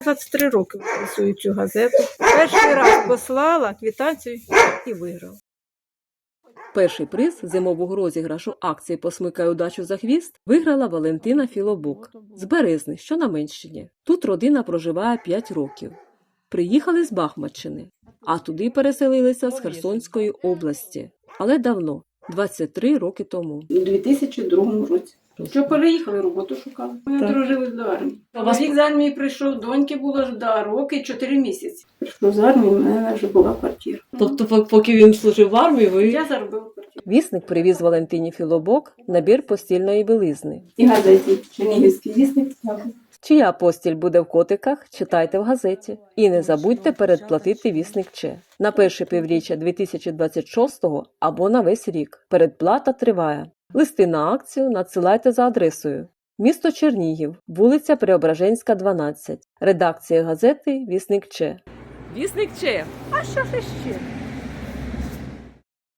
23 роки працюю цю газету. Перший раз послала квитанцію і виграла. Перший приз зимового розіграшу акції «Посмикай удачу за хвіст» виграла Валентина Філобок з Березни, що на Менщині. Тут родина проживає 5 років. Приїхали з Бахмаччини, а туди переселилися з Херсонської області. Але давно, 23 роки тому. У 2002 році. Що переїхали, роботу шукали. Ми одружились до армії. Чоловік з армії прийшов, доньки було роки 4 місяці. Прийшов з армії, в мене вже була квартира. Тобто, поки він служив в армії, Я заробила квартиру. Вісник привіз Валентині Філобок набір постільної білизни. І газеті «Чернігівський вісник». Чия постіль буде в котиках, читайте в газеті. І не забудьте передплатити вісник Че. На перше півріччя 2026-го або на весь рік. Передплата триває. Листи на акцію надсилайте за адресою. Місто Чернігів, вулиця Преображенська, 12. Редакція газети «Вісник Че». Вісник Че! А що ж іще?